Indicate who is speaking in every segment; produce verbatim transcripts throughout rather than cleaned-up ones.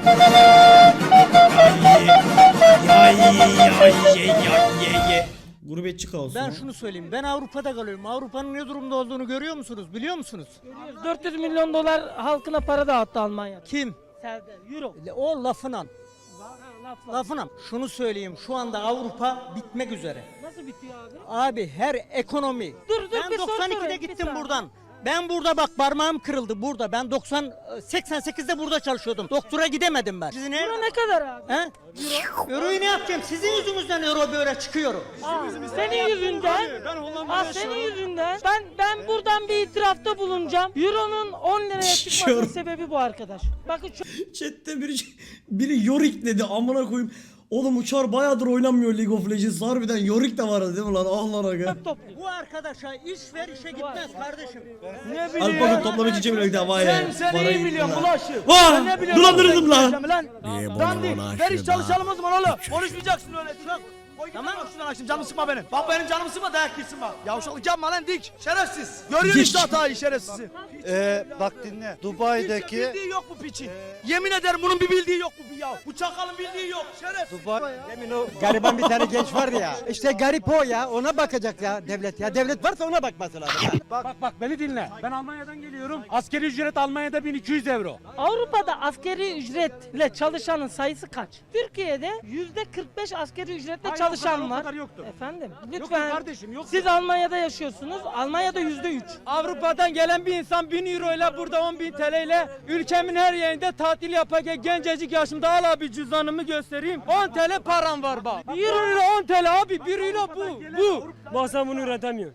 Speaker 1: Ya ye ya ye ya ye ye. Gurbetçi kaosu.
Speaker 2: Ben şunu söyleyeyim. Ben Avrupa'da kalıyorum. Avrupa'nın ne durumda olduğunu görüyor musunuz? Biliyor musunuz?
Speaker 3: dört yüz milyon dolar halkına para dağıttı Almanya.
Speaker 2: Kim?
Speaker 3: Serdar, euro.
Speaker 2: O lafına.
Speaker 3: Ha, laf, laf.
Speaker 2: Lafına. Şunu söyleyeyim. Şu anda Avrupa bitmek üzere.
Speaker 3: Nasıl bitiyor abi?
Speaker 2: Abi her ekonomi.
Speaker 3: Dur, dur,
Speaker 2: ben
Speaker 3: bir soru
Speaker 2: doksan ikide
Speaker 3: sorayım, bir
Speaker 2: gittim
Speaker 3: saniye.
Speaker 2: buradan. Ben burada bak parmağım kırıldı burada. Ben doksan seksen sekizde burada çalışıyordum. Doktora gidemedim ben. Sizin
Speaker 3: Euro ne kadar abi?
Speaker 2: He? Euro. Euroyu ne yapacağım? Sizin yüzünüzden euro böyle çıkıyor.
Speaker 3: Aa, senin yüzünden. Aa, senin yüzünden. Ben ben buradan bir itirafta bulunacağım. Euro'nun on liraya çıkmasının
Speaker 1: Yorum.
Speaker 3: sebebi bu arkadaş. Bakın şu
Speaker 1: Chat'te biri, biri Yorick dedi amına koyayım. Oğlum uçar bayağıdır oynanmıyor League of Legends. Harbiden Yorick de vardı değil mi lan? Ah lan aga.
Speaker 3: topluyor.
Speaker 2: Bu arkadaşa iş ver işe gitmez kardeşim.
Speaker 4: Ne bileyim.
Speaker 1: Alpak'ın toplama için çeviriyor bir vay
Speaker 4: Sen sen iyi biliyorsun bulaşık.
Speaker 1: Vah!
Speaker 4: Sen ne biliyorsun?
Speaker 1: Dolandırıldım lan.
Speaker 4: lan.
Speaker 1: Niye bana
Speaker 4: Dandik.
Speaker 1: bulaştı
Speaker 4: Ver iş
Speaker 1: da?
Speaker 4: çalışalım o zaman oğlum. Konuşmayacaksın öyle. Tamam. Tamam şuradan açtım canımı sıkma benim. Bak benim canımı sıkma dayak girsin bak. Yavşalık yapma lan dik. Şerefsiz. Görüyorsun işte hatayı şerefsizi.
Speaker 5: Ee, bak dinle. Dubai'deki
Speaker 4: Hiç bildiği yok bu piçin. Yemin ederim bunun bir bildiği yok bu ya. Bu çakalın bildiği yok. Şerefsiz.
Speaker 5: Dubai
Speaker 6: Demin o gariban bir tane genç vardı ya. İşte garip o ya. Ona bakacak ya devlet ya. Devlet varsa ona bakması lazım.
Speaker 7: Bak bak beni dinle. Ben Almanya'dan geliyorum. Askeri ücret Almanya'da bin iki yüz euro.
Speaker 3: Avrupa'da askeri ücretle çalışanın sayısı kaç? Türkiye'de yüzde kırk beş askeri ücretle
Speaker 7: Hayır,
Speaker 3: çalışan
Speaker 7: o kadar, o
Speaker 3: var.
Speaker 7: kadar yoktur.
Speaker 3: Efendim
Speaker 7: Yoktur
Speaker 3: lütfen.
Speaker 7: kardeşim, yoktur.
Speaker 3: Siz Almanya'da yaşıyorsunuz. Almanya'da yüzde üç.
Speaker 8: Avrupa'dan gelen bir insan bin euro ile burada on bin T L ile ülkemin her yerinde tatil yapacak gencecik yaşımda al abi cüzdanımı göstereyim. on T L param var bak. bir euro ile on T L abi bir euro bu. Bu.
Speaker 7: Bak sen bunu üretemiyor.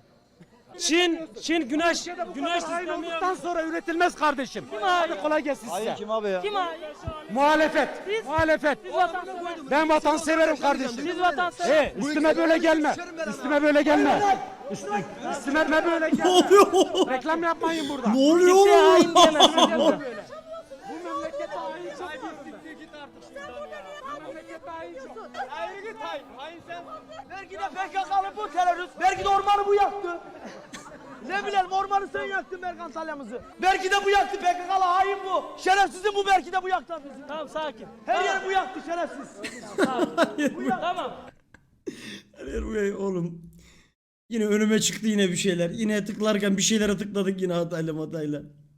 Speaker 7: Çin, Çin güneş, güneş sistemi olduktan sonra üretilmez kardeşim. Hadi kolay gelsin size.
Speaker 5: Hayır kim abi ya?
Speaker 3: Kim abi?
Speaker 7: Muhalefet,
Speaker 3: Biz-
Speaker 7: muhalefet.
Speaker 3: Biz vatansever.
Speaker 7: Ben vatan severim kardeşim.
Speaker 3: Biz vatansever.
Speaker 7: He, üstüme böyle gelme. Üstüme böyle gelme. Üstüme, üstüme böyle
Speaker 1: Ne
Speaker 7: gelme.
Speaker 1: oluyor oğlum?
Speaker 7: Reklam yapmayın burada.
Speaker 1: Ne oluyor
Speaker 3: Kimseye
Speaker 1: oğlum?
Speaker 3: hain diyemezsin burada.
Speaker 7: Bu memlekete hain çok var. Git artık şuradan ya. Bu memlekete hain çok.
Speaker 8: Hayır git hayır. Hayır sen.
Speaker 4: Belki de P K K'lı bu terörist. Belki de ormanı bu yaktı. Ne bilelim ormanı sen yaktın Berk Antalya'mızı. Belki de bu yaktı P K K'lı hain bu. Şerefsizin bu belki de bu yaktı bizi.
Speaker 3: Tamam sakin.
Speaker 4: Her yeri bu yaktı şerefsiz.
Speaker 3: Tamam.
Speaker 1: Hayır bu oğlum. Yine önüme çıktı yine bir şeyler. Yine tıklarken bir şeylere tıkladık yine hatayla matayla.